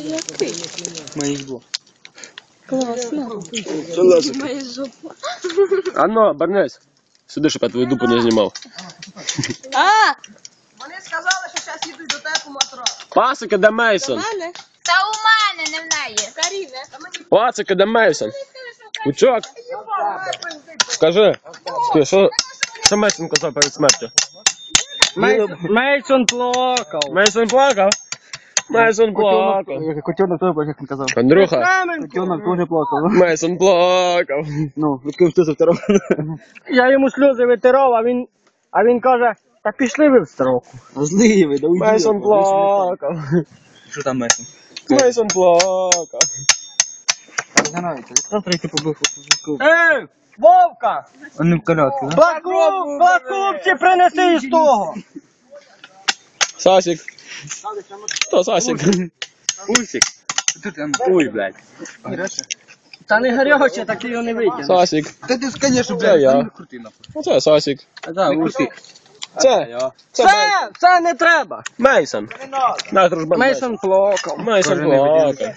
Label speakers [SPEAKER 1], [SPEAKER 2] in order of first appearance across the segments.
[SPEAKER 1] Моїх двох.
[SPEAKER 2] Класно. Моя жопа.
[SPEAKER 3] Анно, обернись. Сюди, щоб я твою дупу не знімав.
[SPEAKER 4] Вони сказали, що зараз їдуть до тебе по матрас.
[SPEAKER 3] Пасики, де Мейсон?
[SPEAKER 2] Мене?
[SPEAKER 5] Та у мене, не в неї.
[SPEAKER 2] Каріне.
[SPEAKER 3] Пасики, де Мейсон? Кучок, скажи. Що Мейсон казав перед смертю?
[SPEAKER 1] Мейсон плакав.
[SPEAKER 3] Мейсон плакав? Мейсон плакав.
[SPEAKER 1] Котенок теж плакав, як він казав.
[SPEAKER 3] Андрюха,
[SPEAKER 1] Котенок теж плакав.
[SPEAKER 3] Мейсон плакав.
[SPEAKER 1] Ну, відкрив ти за второго. Я йому сльози витирав, а він каже, та пішли ви в строку. Злий ви, да уйди.
[SPEAKER 3] Мейсон плакав.
[SPEAKER 1] Що там Мейсон?
[SPEAKER 3] Мейсон плакав.
[SPEAKER 1] Завтра йти побив. Ей, Вовка! Он не в колядки, да? Плакубці принеси із того!
[SPEAKER 3] Сасик. Хто Сасик?
[SPEAKER 1] Усик. Ой, блядь. Та не гаряче, так його не витягне.
[SPEAKER 3] Сасик.
[SPEAKER 1] Та ти, конечно,
[SPEAKER 3] Це я. Оце Сасик.
[SPEAKER 1] Да, Усик.
[SPEAKER 3] Це
[SPEAKER 1] не треба.
[SPEAKER 3] Мейсон. На, дружбан.
[SPEAKER 1] Мейсон плакав.
[SPEAKER 3] Мейсон плакав.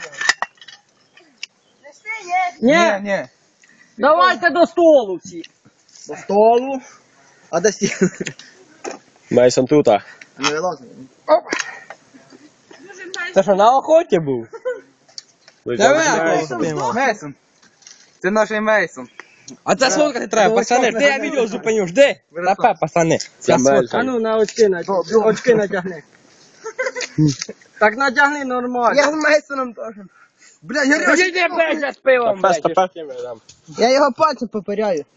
[SPEAKER 1] Ні. Давайте до столу всі. До столу. А до стіни?
[SPEAKER 3] Мейсон тута.
[SPEAKER 1] Не вилазимо. Це що, на охоті був? Мейсон. Це наш Мейсон. А це сфоткати треба, пацани. Де я відео зупиню? Жди. Напе, пацани.
[SPEAKER 3] Це Мейсон.
[SPEAKER 1] А ну на очки натягни. Так натягни нормально.
[SPEAKER 4] Я з Мейсоном теж. Бля, я
[SPEAKER 1] Іди, блядь, я з пивом, блядь.
[SPEAKER 4] Я його пальцем попиряю.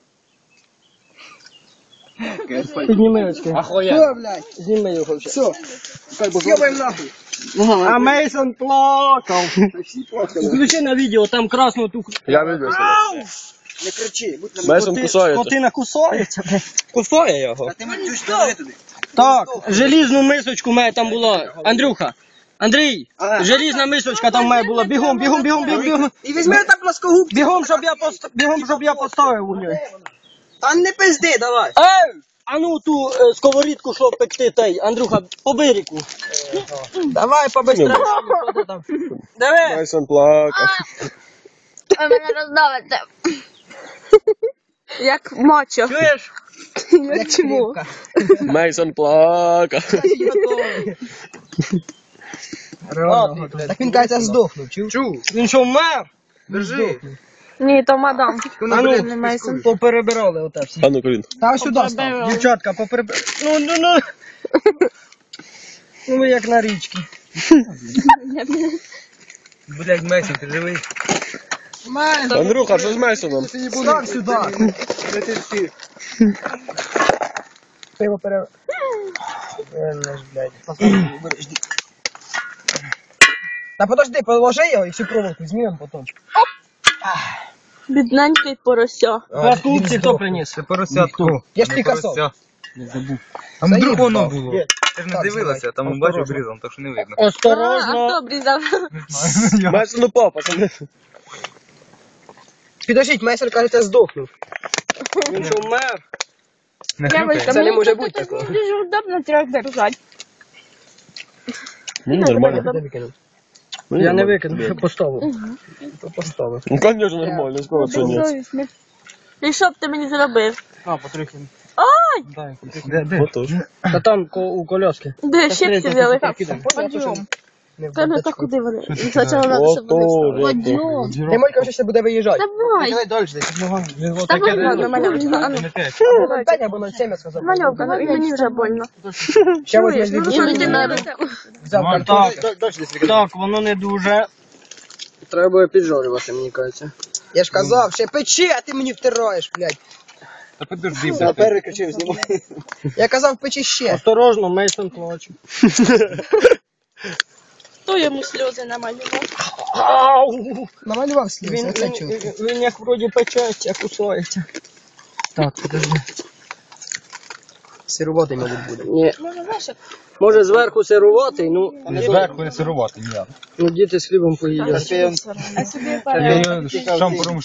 [SPEAKER 1] Підніми очки.
[SPEAKER 4] Що, блядь?
[SPEAKER 1] Зніми його вже.
[SPEAKER 4] Все. Съебаем нахуй.
[SPEAKER 1] А Мейсон плакав. Включи на відео, там красну ту...
[SPEAKER 3] Я видів.
[SPEAKER 4] Не кричи, будь на
[SPEAKER 3] Мейсон кусається.
[SPEAKER 1] Скотина кусається, блядь. Кусає його.
[SPEAKER 4] Ти мене чуєш, давай туди.
[SPEAKER 1] Так, желізну мисочку має там було. Андрюха. Андрій, желізна мисочка там має була. Бігом.
[SPEAKER 4] І візьми там плоскогуб.
[SPEAKER 1] Бігом, щоб я поставив у нього.
[SPEAKER 4] Та не пизди, давай.
[SPEAKER 1] Ей! А ну ту сковорідку, що пекти, той, Андрюха, по бирику. Давай, побистрее. Диви.
[SPEAKER 3] Мейсон плакав.
[SPEAKER 5] Ви мене роздавите.
[SPEAKER 2] Як мачо.
[SPEAKER 1] Чуєш?
[SPEAKER 2] Як чому?
[SPEAKER 3] Мейсон плакав.
[SPEAKER 4] Так він, кажеться, здохнув, чув?
[SPEAKER 1] Він що, вмер? Держи.
[SPEAKER 2] Ні, то мадам.
[SPEAKER 1] А ну,
[SPEAKER 2] Не Мейсон.
[SPEAKER 1] поперебирали оте все.
[SPEAKER 3] А ну, Колін.
[SPEAKER 4] Та сюди став.
[SPEAKER 1] Дівчатка, поперебирали. Ну. Ну ви як на річці. Блядь, Мейсон, ти живий?
[SPEAKER 3] Андрюха, що з Мейсоном?
[SPEAKER 4] Став сюди. Пиво пере... Та подожди, положи його і всю проволоку знімемо потім.
[SPEAKER 2] Бідненький порося.
[SPEAKER 1] Пласкупці хто приніс?
[SPEAKER 6] Це поросятко.
[SPEAKER 4] Я ж Пікассо.
[SPEAKER 6] А вдруг
[SPEAKER 4] Заїб,
[SPEAKER 6] воно
[SPEAKER 4] нахуй.
[SPEAKER 6] було. Ти ж не
[SPEAKER 4] Так,
[SPEAKER 6] дивилася, там бачив обрізано, так що не видно.
[SPEAKER 2] А
[SPEAKER 1] Осторожно.
[SPEAKER 2] хто обрізав?
[SPEAKER 3] Мейсон упав, пацани.
[SPEAKER 4] Підождіть, майстер, кажеться, здохнув.
[SPEAKER 1] Він що, вмер?
[SPEAKER 2] Девочка,
[SPEAKER 4] Це не
[SPEAKER 2] мені
[SPEAKER 4] може
[SPEAKER 2] тут
[SPEAKER 4] бути
[SPEAKER 2] так
[SPEAKER 4] такого.
[SPEAKER 2] дуже удобно трьох держати.
[SPEAKER 3] Нормально.
[SPEAKER 1] Я не викину, я поставив.
[SPEAKER 4] Поставив.
[SPEAKER 3] Ну, конечно, нормально, скоро це ні.
[SPEAKER 2] Безсовісний. І що б ти мені зробив?
[SPEAKER 1] А, потрохи.
[SPEAKER 2] Ой!
[SPEAKER 6] Де?
[SPEAKER 3] Отож.
[SPEAKER 1] Та там у коляски.
[SPEAKER 2] Де щипці взяли?
[SPEAKER 1] Підемо.
[SPEAKER 2] Подйом. Та ну то куди вони? Спочатку треба, щоб вони встали. Подйом.
[SPEAKER 4] Ти Молька вже буде виїжджати.
[SPEAKER 2] Давай.
[SPEAKER 4] Давай далі, десь.
[SPEAKER 2] Давай, ладно, мальовка. А ну.
[SPEAKER 4] Пень або 0,7, я сказав.
[SPEAKER 2] Мальовка, ну і мені вже больно.
[SPEAKER 4] Ще возьме
[SPEAKER 2] Ну
[SPEAKER 4] дві
[SPEAKER 2] що
[SPEAKER 4] бутилки.
[SPEAKER 2] ти надо?
[SPEAKER 4] Взяв
[SPEAKER 1] Ну,
[SPEAKER 4] картон.
[SPEAKER 1] так.
[SPEAKER 4] Далі десь.
[SPEAKER 1] Так, воно не дуже. Треба буде піджарювати, мені кажеться.
[SPEAKER 4] Я ж казав, ще печи, а ти мені втираєш, блядь.
[SPEAKER 6] Та подожди,
[SPEAKER 4] Я
[SPEAKER 6] блядь.
[SPEAKER 4] переключив, знімай. Я казав, печи ще.
[SPEAKER 1] Осторожно, Мейсон плаче.
[SPEAKER 2] Хто йому сльози намалював?
[SPEAKER 1] Ау!
[SPEAKER 4] Намалював сліз,
[SPEAKER 1] Він,
[SPEAKER 4] оце чув.
[SPEAKER 1] він як вроді печеться, кусається. Так, подожди.
[SPEAKER 4] Сирувати, мабуть, буде.
[SPEAKER 1] Ні.
[SPEAKER 2] Може, знаєш,
[SPEAKER 1] Може зверху сируватий, ну,
[SPEAKER 6] Зверху не сирувати, ні.
[SPEAKER 1] ну діти з хлібом поїдять.
[SPEAKER 2] а собі
[SPEAKER 6] Я
[SPEAKER 2] пара.
[SPEAKER 6] його шампуром.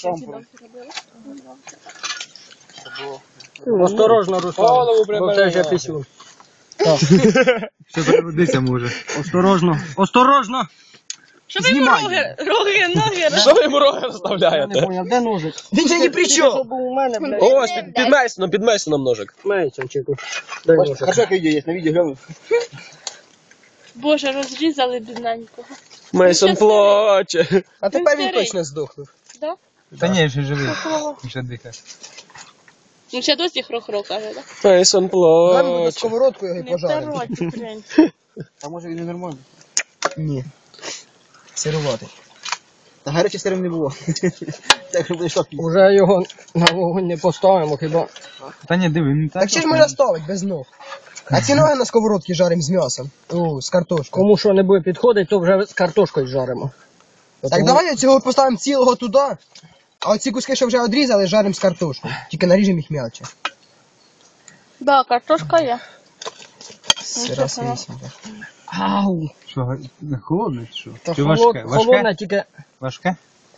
[SPEAKER 1] Осторожно, Руслан, бо це вже пісюн.
[SPEAKER 6] Ще переродися може.
[SPEAKER 1] Осторожно, осторожно!
[SPEAKER 2] Що ви йому роги, ноги,
[SPEAKER 3] Що ви йому роги
[SPEAKER 1] Я не
[SPEAKER 3] розставляєте?
[SPEAKER 1] поняв, де ножик?
[SPEAKER 4] Він же ні при чому.
[SPEAKER 1] Що був у мене, блядь?
[SPEAKER 3] Ось, під Мейсоном ножик.
[SPEAKER 1] Мейсончику. Дай ножик.
[SPEAKER 6] Хорошо, як відео є, на відео гляну.
[SPEAKER 2] Боже, розрізали бідненького.
[SPEAKER 3] Мейсон плаче.
[SPEAKER 4] А тепер він
[SPEAKER 2] старий.
[SPEAKER 4] точно здохнув.
[SPEAKER 2] Да?
[SPEAKER 6] Та ні, ще живий. Ще дихає.
[SPEAKER 2] Ну ще досі хро-хро каже, так?
[SPEAKER 3] Мейсон
[SPEAKER 4] Дай мені
[SPEAKER 3] плаче.
[SPEAKER 4] сковородку його і
[SPEAKER 2] Не
[SPEAKER 4] пожаримо.
[SPEAKER 2] второй, блін.
[SPEAKER 6] А може він і нормальний?
[SPEAKER 4] Ні. Сируватий.
[SPEAKER 6] Та гаряче сирим не було. Так що буде шок.
[SPEAKER 1] Уже його на вогонь не поставимо, хіба.
[SPEAKER 6] Та ні, диви, він
[SPEAKER 4] Так ще ж можна ставити без ног. А ці ноги на сковородці жаримо з м'ясом. З картошкою.
[SPEAKER 1] Кому що не буде підходити, то вже з картошкою жаримо.
[SPEAKER 4] Так давай цього поставимо цілого туди, а оці куски, що вже одрізали, жаримо з картошкою. Тільки наріжемо їх м'яче.
[SPEAKER 2] Да, картошка є.
[SPEAKER 4] Сира свісінька.
[SPEAKER 1] Ау!
[SPEAKER 6] Що, холодне чи що?
[SPEAKER 1] Та
[SPEAKER 6] Чи важке?
[SPEAKER 1] холодна,
[SPEAKER 6] Важке?
[SPEAKER 1] тільки
[SPEAKER 6] Важке?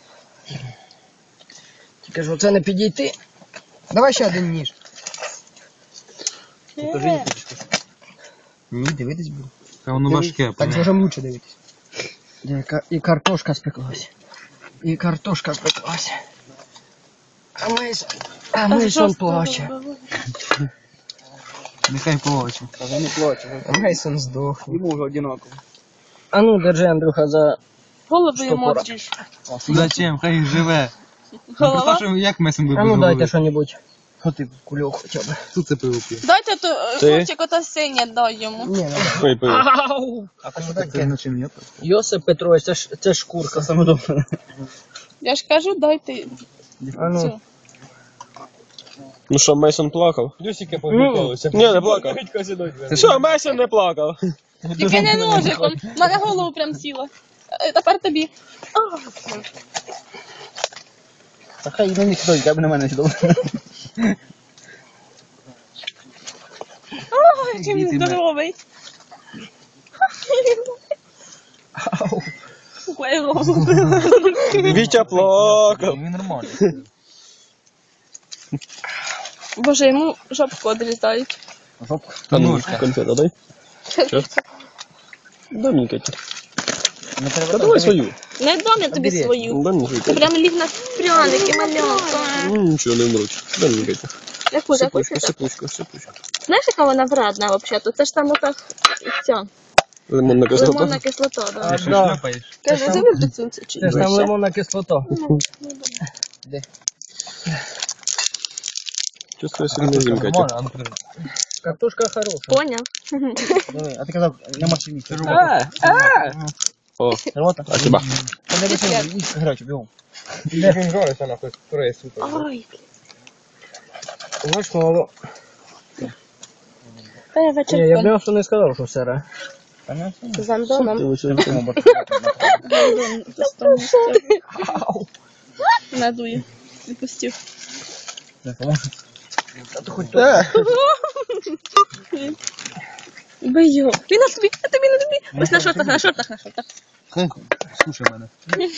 [SPEAKER 1] ж оце не підійти.
[SPEAKER 4] Давай ще один ніж.
[SPEAKER 6] Ні, дивитись буде. Та воно важке.
[SPEAKER 4] Так зможемо лучше дивитися.
[SPEAKER 1] І картошка спеклась. І картошка спеклась. А Мейсон плаче.
[SPEAKER 6] Нехай плаче.
[SPEAKER 4] А Мейсон здох.
[SPEAKER 6] Йому вже одинаково.
[SPEAKER 1] А ну, держи, Андрюха, за...
[SPEAKER 2] Голову йому
[SPEAKER 1] пора?
[SPEAKER 2] одріж.
[SPEAKER 6] Зачем? Хай їх живе.
[SPEAKER 2] Голова?
[SPEAKER 6] Представ, що як Месом би
[SPEAKER 1] А ну,
[SPEAKER 6] був
[SPEAKER 1] дайте
[SPEAKER 6] голови.
[SPEAKER 1] що-небудь.
[SPEAKER 6] Що ти?
[SPEAKER 1] Кульок хоча б.
[SPEAKER 6] Тут це пиво п'є.
[SPEAKER 2] Дайте то,
[SPEAKER 3] Ти?
[SPEAKER 2] хлопчик, ото синє дай йому.
[SPEAKER 4] Ні, не
[SPEAKER 3] Пий, пий.
[SPEAKER 1] Ау!
[SPEAKER 6] А кому так це начин нет?
[SPEAKER 1] Йосип Петрович, це ж шкурка.
[SPEAKER 6] Саме добре.
[SPEAKER 2] Я ж кажу, дайте
[SPEAKER 1] А ну.
[SPEAKER 2] цю.
[SPEAKER 3] Ну що, Мейсон плакав?
[SPEAKER 6] Люсіка
[SPEAKER 3] Ні, не плакав. Що, Мейсон не плакав?
[SPEAKER 2] Тільки не ножиком. В мене голову прям сіла. Тепер тобі.
[SPEAKER 6] Та хай на них сидить, я б на мене сідав.
[SPEAKER 2] Ой, який він здоровий. Ой, голову.
[SPEAKER 3] Вітя плакав.
[SPEAKER 6] Він нормальний.
[SPEAKER 2] Боже, йому жопку одрізають.
[SPEAKER 3] А ну, конфету дай. Що? Дай мені, Катя. Та давай свою.
[SPEAKER 2] Не дам я тобі свою.
[SPEAKER 3] Дай мені свою.
[SPEAKER 2] Це прям ліг на пряники, малянка.
[SPEAKER 3] Нічого не вмруть. Дай мені, Катя.
[SPEAKER 2] Яку
[SPEAKER 3] Сипучка, сипучка, сипучка.
[SPEAKER 2] Знаєш, яка вона вредна взагалі? Це ж там ота ця
[SPEAKER 3] Лимонна кислота.
[SPEAKER 2] лимонна кислота. Да.
[SPEAKER 6] Ти що шльопаєш?
[SPEAKER 2] Каже, це ви цю чи
[SPEAKER 1] Це ж там
[SPEAKER 2] ще?
[SPEAKER 1] лимонна кислота.
[SPEAKER 3] Чувствую сильно зим, Катя.
[SPEAKER 6] а ну подожди.
[SPEAKER 1] Картошка хороша.
[SPEAKER 2] Поняв?
[SPEAKER 6] А ти казав, на машині.
[SPEAKER 3] О,
[SPEAKER 6] Рота.
[SPEAKER 3] а тебе?
[SPEAKER 6] Та не вийшов, їсть грати, бігом. Де він жариться, нахуй, вторая сука.
[SPEAKER 2] Ой,
[SPEAKER 1] Знаєш, мало.
[SPEAKER 2] та я
[SPEAKER 1] Ні, я
[SPEAKER 2] вечірком
[SPEAKER 1] м'ясо не сказав, що сире.
[SPEAKER 2] з Андоном. Надую. Відпустив. Бий його. Він на тобі, а тобі на тобі. Ось на шортах, на шортах, на шортах.
[SPEAKER 6] Слушай мене.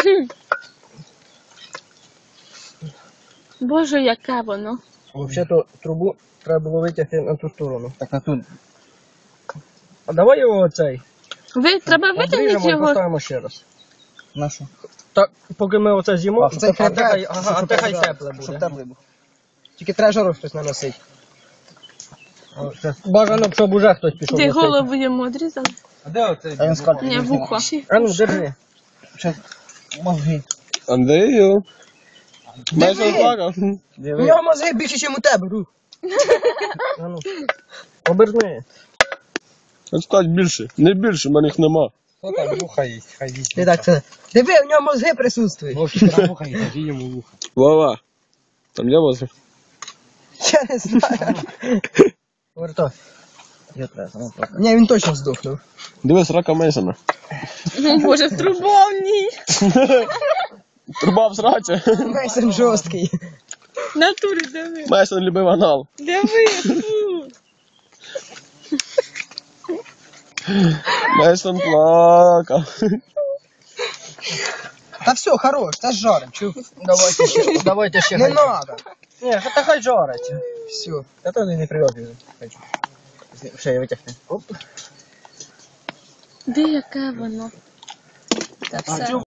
[SPEAKER 2] Боже, яке воно.
[SPEAKER 1] Взагалі-то трубу треба було витягти на ту сторону.
[SPEAKER 6] Так на ту.
[SPEAKER 1] А давай його оцей.
[SPEAKER 2] Треба
[SPEAKER 1] Обріжемо
[SPEAKER 2] витягнути
[SPEAKER 1] і
[SPEAKER 2] його.
[SPEAKER 1] поставимо ще раз.
[SPEAKER 6] Нашу.
[SPEAKER 1] Так, поки ми оце з'їмо,
[SPEAKER 4] Це
[SPEAKER 1] а те хай-
[SPEAKER 4] щоб
[SPEAKER 1] ага, а те хай
[SPEAKER 4] жарити,
[SPEAKER 1] тепле
[SPEAKER 4] щоб
[SPEAKER 1] буде.
[SPEAKER 4] теплий був. Тільки треба жару щось наносити.
[SPEAKER 1] Бажано, щоб уже хтось пішов.
[SPEAKER 2] Ти
[SPEAKER 1] носити.
[SPEAKER 2] голову йому одрізав?
[SPEAKER 6] А де оцей?
[SPEAKER 4] А він скільки?
[SPEAKER 2] Ні, вухо.
[SPEAKER 1] А ну, держи.
[SPEAKER 6] Мозги.
[SPEAKER 3] Андрію. Мейсон плакав.
[SPEAKER 4] У нього мозги більше, ніж у тебе, Рух.
[SPEAKER 1] А ну. Оберни.
[SPEAKER 3] Стать більше. Не більше, в мене їх нема.
[SPEAKER 6] Хто там вуха їсть? Хай їсть.
[SPEAKER 4] Ти так це. Диви, у нього мозги присутствують.
[SPEAKER 6] Вовчик, там вуха їсть, кажи йому вуха.
[SPEAKER 3] Вова. Там є возле?
[SPEAKER 4] Я не знаю.
[SPEAKER 1] Вертай.
[SPEAKER 6] Я треба, сама плакати.
[SPEAKER 4] Ні, він точно здохнув.
[SPEAKER 3] Дивись, рака Мейсона.
[SPEAKER 2] Боже, в трубовній.
[SPEAKER 3] Труба в сраці.
[SPEAKER 4] Мейсон жорсткий.
[SPEAKER 2] Натурі, диви.
[SPEAKER 3] Мейсон любив анал.
[SPEAKER 2] Диви, фу.
[SPEAKER 3] Мейсон плакав.
[SPEAKER 4] Та все, хорош, та жарим. Чув?
[SPEAKER 1] Давайте ще
[SPEAKER 4] Не
[SPEAKER 1] хай.
[SPEAKER 4] надо.
[SPEAKER 1] Ні, та хай жарить.
[SPEAKER 4] Все.
[SPEAKER 6] Та то не прильотив. Ще я витягну.
[SPEAKER 2] Де яке воно? Та все.